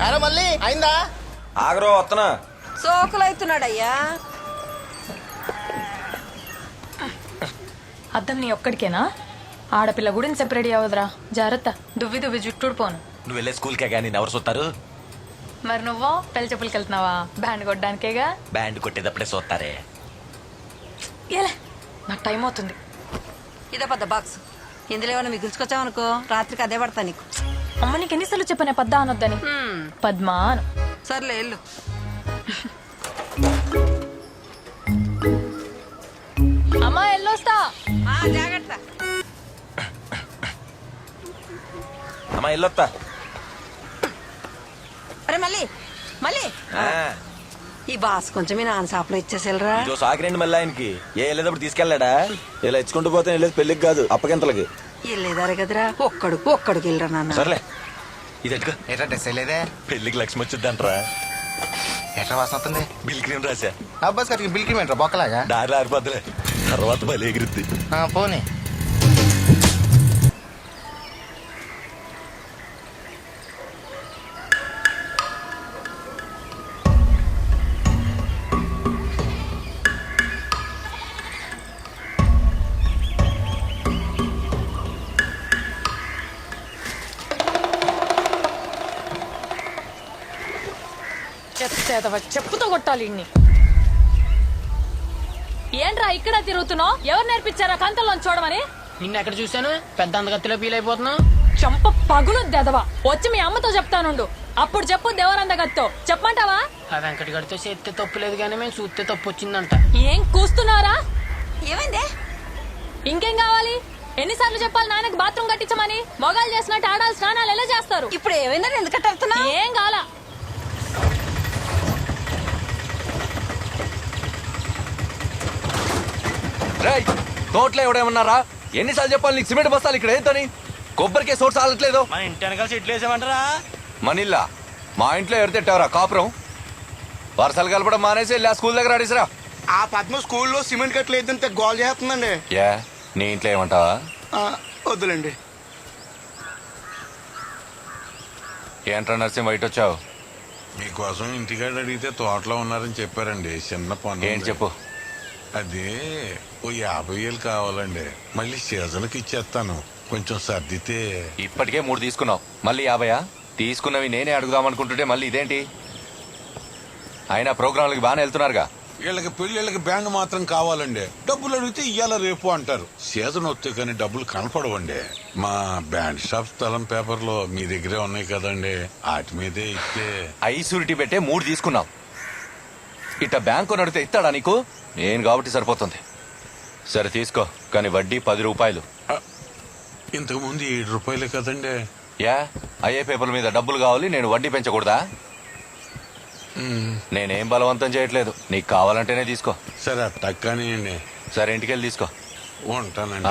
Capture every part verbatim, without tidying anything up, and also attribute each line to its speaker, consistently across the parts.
Speaker 1: అరే మళ్ళీ అయిందా?
Speaker 2: ఆగరో వస్తున్నా.
Speaker 3: సోకులైతున్నాడయ్యా.
Speaker 4: అద్దం నీ ఒక్కడికేనా? ఆడపిల్ల గుడిని సెపరేట్ అవ్వదురా, జాగ్రత్త. దువ్వి దువ్వి జుట్టుడు పోను.
Speaker 2: నువ్వు వెళ్ళే స్కూల్కే కానీ ఎవరు చూస్తారు?
Speaker 4: మరి నువ్వు పెళ్లి చెప్పులకి వెళ్తున్నావా? బ్యాండ్ కొట్టడానికేగా.
Speaker 2: బ్యాండ్ కొట్టేటప్పుడే చూస్తారే.
Speaker 4: ఏలే, నాకు టైం అవుతుంది.
Speaker 3: ఇదే పెద్ద బాక్స్. ఇందులో ఏమైనా మిగిల్చుకొచ్చావనుకో రాత్రికి అదే పడతా నీకు.
Speaker 4: అమ్మ నీకు ఎన్నిసార్లు చెప్పానే పద్దా అనొద్దని? పద్మా అను.
Speaker 3: సర్లే వెళ్ళు.
Speaker 4: అమ్మా ఎల్లొస్తా.
Speaker 3: జాగ్రత్త.
Speaker 2: అమ్మా వెళ్ళొస్తా.
Speaker 3: అరే మళ్ళీ మళ్ళీ ఈ బాస్ కొంచెం మీ నాన్న షాప్లో ఇచ్చేసేలరా.
Speaker 2: సాకిరండి మళ్ళీ ఆయనకి. ఏ వెళ్ళేటప్పుడు తీసుకెళ్ళాడా? ఇలా ఇచ్చుకుంటూ పోతే వెళ్ళేది పెళ్లికి కాదు అప్పగింతలకి.
Speaker 3: వెళ్ళేదారే కదరా, ఒక్కడు ఒక్కడికి వెళ్ళరా నాన్న.
Speaker 2: సర్లే ఇది ఎట్టుకో.
Speaker 1: ఎట్లా డ్రెస్ వేయలేదే?
Speaker 2: పెళ్లికి లక్ష్మి వచ్చిందంటరా.
Speaker 1: ఎట్లా వాసన వస్తుంది?
Speaker 2: బిల్ క్రీమ్ రాసా.
Speaker 1: అబ్బాస్ గారికి బిల్ క్రీమ్ ఏంట్రా బొక్కలాగా?
Speaker 2: దారిలో ఆరిపోద్దులే, తర్వాత బలి ఎగిరిద్ది.
Speaker 1: పోనీ.
Speaker 4: చెత్తేదవ, చెప్పుతో కొట్టాలి ఇన్ని. ఏంట్రా ఇక్కడ తిరుగుతున్నావు? ఎవరు నేర్పించారా కంతల్లో చూడమని?
Speaker 5: నిన్న ఎక్కడ చూశాను? పెద్ద అందగత్తిలో ఫీల్ అయిపోతున్నావు.
Speaker 4: చంప పగులు దెదవా. వచ్చి మీ అమ్మతో చెప్తానుండు. అప్పుడు చెప్పు దేవరందగత్తో. చెప్పమంటావా?
Speaker 5: ఆ వెంకట గడితో చేస్తే తప్పు లేదు కానీ మేము చూస్తే తప్పు వచ్చిందంట.
Speaker 4: ఏం కూస్తున్నారా?
Speaker 3: ఏమైందే?
Speaker 4: ఇంకేం కావాలి? ఎన్నిసార్లు చెప్పాలి నాన్నకి బాత్రూమ్ కట్టించమని? మొగాలు చేసినట్టు ఆడాలి స్నానాలు ఎలా చేస్తారు?
Speaker 3: ఇప్పుడు ఏమైందా? ఎందుకంటే అడుగుతున్నా.
Speaker 4: ఏం కావాలా?
Speaker 2: తోటలో ఎవడేమన్నారా? ఎన్నిసార్లు చెప్పాలి నీకు? సిమెంట్ బస్తాలు ఇక్కడ ఏంటని? కొబ్బరికే సోర్స్ ఆలట్లేదు.
Speaker 6: మన ఇంటి వెనకాల చెట్లు వేసామంటారా?
Speaker 2: మనిల్లా మా ఇంట్లో ఎడతెట్టావరా కాపురం? వరసలు కలపడం మానేసి వెళ్ళి ఆ స్కూల్ దగ్గర అడిసిరా.
Speaker 1: ఆ పద్మ స్కూల్లో సిమెంట్ కట్టలేదంటే గోల్ చేస్తుందండి.
Speaker 2: ఏ నీ ఇంట్లో ఏమంటావా?
Speaker 1: వద్దులేండి.
Speaker 2: ఏంట్రా నర్సింహ బయట వచ్చావు?
Speaker 7: మీకోసం ఇంటికాడ అడిగితే తోటలో ఉన్నారని చెప్పారండి. చిన్న పని.
Speaker 2: ఏంటి చెప్పు.
Speaker 7: అదే ఓ యాభై వేలు కావాలండి. మళ్ళీ సీజన్కి ఇచ్చేస్తాను. కొంచెం సర్దితే.
Speaker 2: ఇప్పటికే మూడు తీసుకున్నావు, మళ్ళీ యాభయా? తీసుకున్నవి నేనే అడుగుదాం అనుకుంటుంటే మళ్ళీ ఇదేంటి? అయినా ప్రోగ్రాంలకి బాగానే వెళ్తున్నారుగా.
Speaker 7: వీళ్ళకి పెళ్ళిళ్ళకి బ్యాండ్ మాత్రం కావాలండి. డబ్బులు అడిగితే ఇయ్యాల రేపు అంటారు. సీజన్ వస్తే కానీ డబ్బులు కనపడవండి. మా బ్యాండ్ షాప్ స్థలం పేపర్లో మీ దగ్గరే ఉన్నాయి కదండి, వాటి మీదే ఇస్తే.
Speaker 2: ఐసూరిటీ పెట్టే మూడు తీసుకున్నావు. ఇట్ట బ్యాంకు నడితే ఇస్తాడా నీకు? నేను కాబట్టి సరిపోతుంది. సరే తీసుకో, కానీ వడ్డీ పది రూపాయలు.
Speaker 7: ఇంతకు ముందు ఏడు రూపాయలే కదండి.
Speaker 2: యా అయ్యే పేపర్ల మీద డబ్బులు కావాలి, నేను వడ్డీ పెంచకూడదా? నేనేం బలవంతం చేయట్లేదు, నీకు కావాలంటేనే తీసుకో.
Speaker 7: సరే అట్టక్కనియండి.
Speaker 2: సరే ఇంటికి వెళ్ళి తీసుకో.
Speaker 7: ఉంటానండి.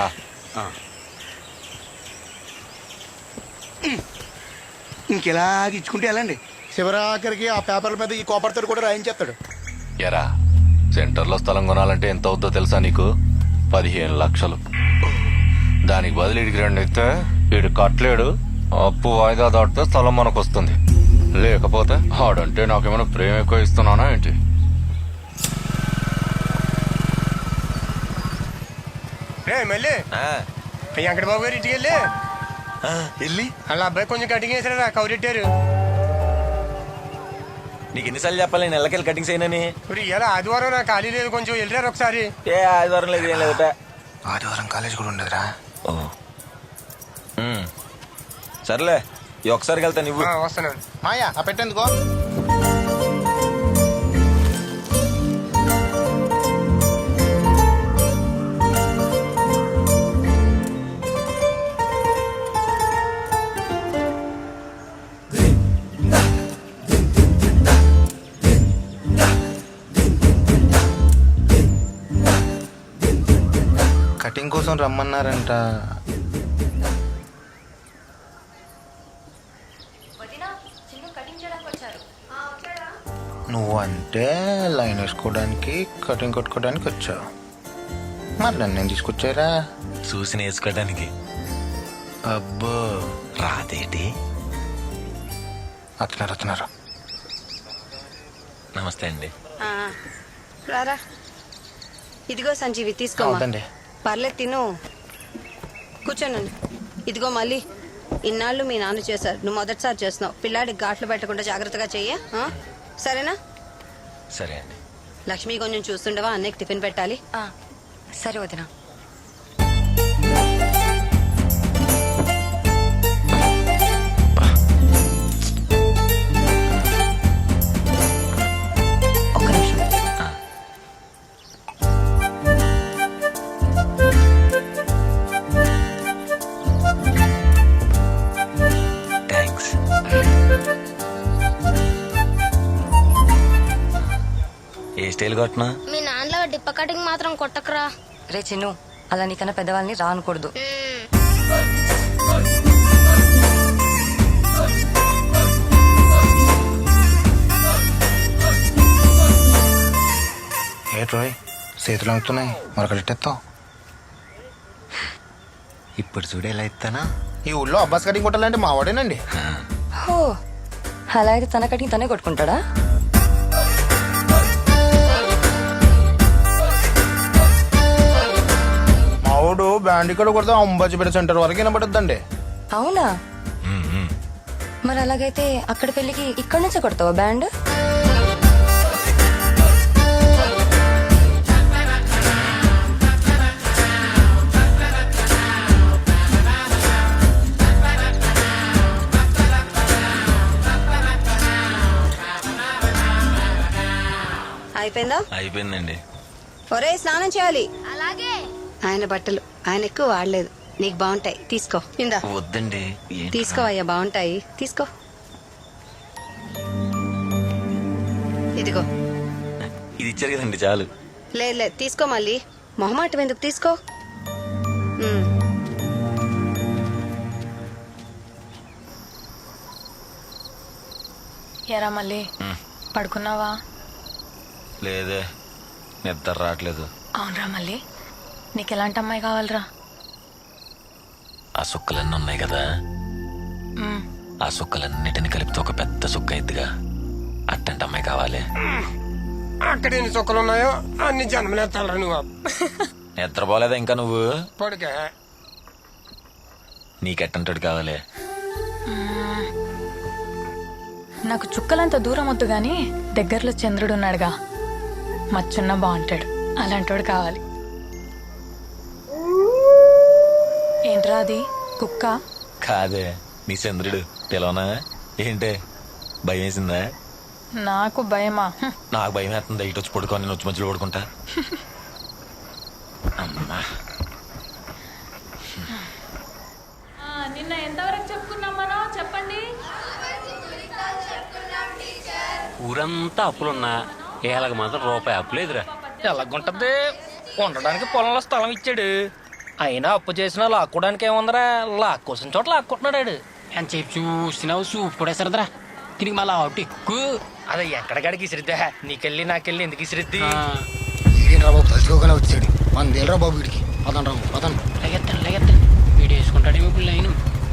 Speaker 1: ఇంకెలాగ ఇచ్చుకుంటే వెళ్ళండి. శివరాఖరికి ఆ పేపర్ల మీద ఈ కోపర్తో కూడా రాయించేస్తాడు.
Speaker 2: ఎరా సెంటర్లో స్థలం కొనాలంటే ఎంత అవుద్దో తెలుసా నీకు? పదిహేను లక్షలు. దానికి బదులు ఇడికి రెండు ఇస్తే వీడు కట్టలేడు. అప్పు వాయిదా దాటితే స్థలం మనకు వస్తుంది. లేకపోతే ఆడంటే నాకేమైనా ప్రేమ ఎక్కువ ఇస్తున్నానా ఏంటి?
Speaker 6: మళ్ళీ వెంకటబాబు గారు ఇంటికి వెళ్ళి
Speaker 2: వెళ్ళి
Speaker 6: వాళ్ళ అబ్బాయి కొంచెం కటింగ్ వేసారా, కౌరెట్టారు.
Speaker 2: నీకు ఎన్నిసార్లు చెప్పాలి నేను ఎల్లకెళ్ళి కటింగ్స్ అయినని?
Speaker 6: ఇప్పుడు ఇలా ఆదివారం నాకు ఖాళీ లేదు, కొంచెం వెళ్ళారు ఒకసారి.
Speaker 2: ఏ ఆదివారం లేదు, ఏం లేదట.
Speaker 1: ఆదివారం కాలేజ్ కూడా ఉండదురా.
Speaker 2: సర్లే ఈ ఒకసారికి వెళ్తా. నువ్వు
Speaker 6: వస్తున్నాను.
Speaker 1: మాయా ఆ పెట్టేందుకో. కటింగ్ కోసం రమ్మన్నారంట. నువ్వంటే లైన్ వేసుకోవడానికి కటింగ్ కొట్టుకోవడానికి వచ్చావు, మరి నన్ను నేను తీసుకొచ్చారా?
Speaker 2: చూసి నేర్చుకోవడానికి.
Speaker 1: అబ్బో
Speaker 2: రాదేటి?
Speaker 1: వస్తున్నారు వస్తున్నారు.
Speaker 2: నమస్తే అండి.
Speaker 3: ఆ, రారా ఇదిగో సంజీవి తీసుకోమా.
Speaker 1: అవునండి.
Speaker 3: పర్లేదు తిను, కూర్చోనండి. ఇదిగో మళ్ళీ ఇన్నాళ్ళు మీ నాన్న చేశారు, నువ్వు మొదటిసారి చేస్తున్నావు. పిల్లాడికి ఘాట్లు పెట్టకుండా జాగ్రత్తగా చెయ్యి, ఆ? సరేనా?
Speaker 2: సరే అండి.
Speaker 3: లక్ష్మి కొంచెం చూస్తుండవా, అన్నయ్యకి టిఫిన్ పెట్టాలి.
Speaker 8: సరే వదినా. ఒక్క నిమిషం.
Speaker 2: థ్యాంక్స్. ఏ స్టైల్ కొట్టినా?
Speaker 9: మీ నాన్నలో డిప్ప కటింగ్ మాత్రం కొట్టకరా.
Speaker 8: రే చిన్ను, అలా నీకన్నా పెద్దవాళ్ళని రా అనకూడదు.
Speaker 1: ఏ రోయ్ చేతులు అంగుతున్నాయి, మరొకటెత్తావు.
Speaker 2: ఇప్పుడు చూడు ఎలా ఇస్తానా?
Speaker 1: ఈ ఊళ్ళో అబ్బాస్ కటింగ్ కొట్టాలంటే మా వాడేనండి.
Speaker 8: హో, అలా అయితే తన కటింగ్ తనే కొట్టుకుంటాడా?
Speaker 1: మా వాడు బ్యాండ్ ఇక్కడ కొడితే అంబాజీపేట సెంటర్ వరకు వినబడుద్దండి.
Speaker 8: అవునా? మరి అలాగైతే అక్కడ పెళ్ళికి ఇక్కడ నుంచే కొడతావా బ్యాండ్?
Speaker 3: అయిపోయిందా?
Speaker 2: అయిపోయిందండి.
Speaker 3: ఒరే స్నానం చేయాలి.
Speaker 9: అలాగే.
Speaker 3: ఆయన బట్టలు ఆయన ఎక్కువ వాడలేదు, నీకు బాగుంటాయి, తీసుకో. ఇందా
Speaker 2: వద్దండి.
Speaker 3: తీసుకో అయ్యా, బాగుంటాయి, తీసుకో. ఇదిగో.
Speaker 2: ఇది ఇచ్చారు కదండి, చాలు.
Speaker 3: లేదు లేదు, తీసుకో. మళ్ళీ మొహమాటం ఎందుకు, తీసుకో. ఉమ్.
Speaker 4: ఎరా మళ్ళీ పడుకున్నావా?
Speaker 2: లేదే, నిద్ర రావట్లేదు.
Speaker 4: అవునరా మళ్ళీ, నీకు ఎలాంటి అమ్మాయి కావాలరా?
Speaker 2: ఆ సుక్కలన్నీ ఉన్నాయి కదా,
Speaker 4: మ్మ్.
Speaker 2: ఆ సుక్కలన్నిటిని కలిపితే ఒక పెద్ద సుక్క అయిద్దిగా, అట్టంటి అమ్మాయి కావాలి.
Speaker 6: అక్కడ ఎన్ని చుక్కలు ఉన్నాయో అన్ని జన్మలేస్తాడు నువ్వు.
Speaker 2: నిద్రపోలేదా ఇంకా నువ్వు?
Speaker 6: పడుకే.
Speaker 2: నీకెట్టంటాడు కావాలి?
Speaker 4: నాకు చుక్కలంత దూరం వద్దు గాని దగ్గరలో చంద్రుడు ఉన్నాడుగా, మచ్చున్న బాగుంటాడు, అలాంటోడు కావాలి. ఏంట్రా అది, కుక్క?
Speaker 2: కాదే, నీ చంద్రుడు. పిలవనా ఏంటే? భయం వేసిందా?
Speaker 4: నాకు భయమా? హ్మ్.
Speaker 2: నాకు భయం వేస్తుంది. ఇటు వచ్చి పడుకో, నేను వచ్చి మధ్యలో పడుకుంటా. అమ్మా,
Speaker 4: నిన్న ఎంతవరకు చెప్పుకున్నాం మనం, చెప్పండి.
Speaker 10: ఊరంతా అప్పులున్నా ఏళ్ళకి మాత్రం రూపాయి అప్పు లేదురా.
Speaker 5: ఎలాగుంటది, ఉండడానికి పొలంలో స్థలం ఇచ్చాడు. అయినా అప్పు చేసినా లాక్కోడానికి ఏముందరా, లాక్కోసిన చోట లాక్కుంటున్నాడు.
Speaker 10: అని చెప్పి చూసినావు, చూపు కూడా సరదరా. దీనికి మళ్ళీ అవుట్ ఎక్కువ.
Speaker 5: అదే ఎక్కడికాడికి ఇసిరిద్దా, నీకెళ్ళి నాకెళ్ళి ఎందుకు ఇసిరిద్ది?
Speaker 6: బాబు తలుచుకోగానే వచ్చాడు. వందేళ్ళరా బాబు వీడికి. పదండి రాబు, పదండి.
Speaker 10: లగెత్తాను లగెత్తాను వీడు వేసుకుంటాడేమో ఇప్పుడు లైను.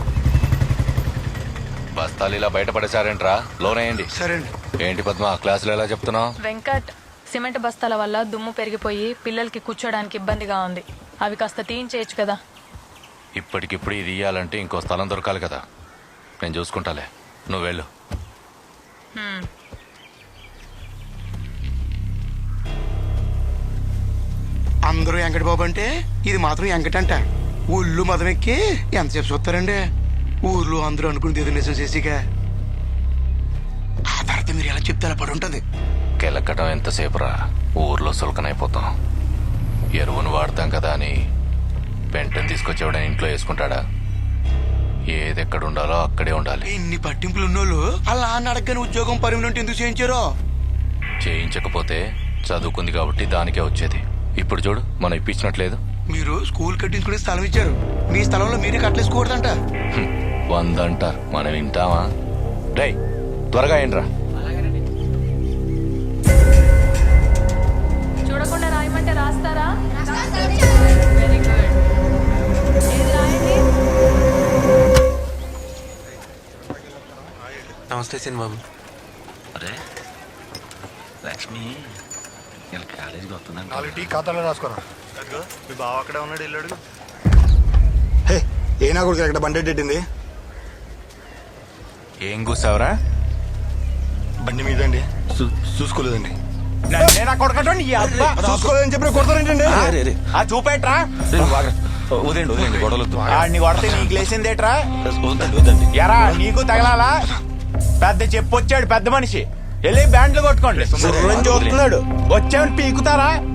Speaker 2: బస్తాలు ఇలా బయటపడేశారేంట్రా? లోనేయండి.
Speaker 6: సరే అండి.
Speaker 2: ఏంటి పద్మ, క్లాసులు ఎలా చెప్తున్నావు?
Speaker 4: వెంకట్, సిమెంట్ బస్తాల వల్ల దుమ్ము పెరిగిపోయి పిల్లలకి కూర్చోడానికి ఇబ్బందిగా ఉంది, అవి కాస్త తీయించేయచ్చు కదా.
Speaker 2: ఇప్పటికిప్పుడు ఇది ఇయ్యాలంటే ఇంకో స్థలం దొరకాలి కదా. నేను చూసుకుంటాలే, నువ్వు వెళ్ళు.
Speaker 4: హ్మ్.
Speaker 6: అందరూ వెంకట బాబు అంటే ఇది మాత్రం వెంకటంట. ఊళ్ళు మదమెక్కి ఎంతసేపు చూస్తారండి? ఊర్లో అందరూ అనుకుని ఏదో నిజం చేసిగా ఆ తర్వాత మీరు ఎలా చెప్తారా పడి ఉంటుంది.
Speaker 2: కెలక్కటం ఎంతసేపు రా, ఊర్లో సులకనైపోతాం. ఎరువును వాడతాం కదా అని పెంటను తీసుకొచ్చేవాడని ఇంట్లో వేసుకుంటాడా? ఏది ఎక్కడ ఉండాలో అక్కడే ఉండాలి.
Speaker 6: ఇన్ని పట్టింపులు ఉన్నోళ్ళు అలా నాన్న అడగని ఉద్యోగం పర్మనెంట్ ఎందుకు చేయించారో?
Speaker 2: చేయించకపోతే చదువుకుంది కాబట్టి దానికే వచ్చేది. ఇప్పుడు చూడు, మనం ఇప్పించినట్లేదు.
Speaker 6: మీరు స్కూల్ కట్టించుకునే స్థలం ఇచ్చారు, మీ స్థలంలో మీరే కట్టలేసుకోకూడదంట.
Speaker 2: హ్మ్, వంద అంటారు, మనం వింటామా? రేయ్ త్వరగా ఏంట్రా.
Speaker 4: చూడకుండా రాయమంటే రాస్తారా? Very good. ఏది రాయండి?
Speaker 11: నమస్తే సిన్ బాబు.
Speaker 10: అరే లక్ష్మి ఇలా కాలేజీకి వస్తున్నాను.
Speaker 6: నాలుగు టీ ఖాతాలో రాసుకోరా. మీ బావ అక్కడే ఉన్నాడు, వెళ్ళాడు. హే ఏనా కొడుకు ఎక్కడ బండి ఎట్టింది?
Speaker 2: ఏం కూసావురా?
Speaker 6: బండి మీద అండి. చూసుకోలేదండి.
Speaker 11: చూసుకోలేదని చెప్పి కొడతారేంటండి?
Speaker 2: చూపేట్రా వదండి వదండి గొడవలు
Speaker 11: కొడితే నీకు లేసిందేట్రా?
Speaker 2: వద్దండి వద్దండి.
Speaker 11: ఎరా నీకు తగలాలా? పెద్ద చెప్పొచ్చాడు పెద్ద మనిషి, వెళ్ళి బ్యాండ్లు కొట్టుకోండి. చూస్తున్నాడు వచ్చామని పీకుతారా?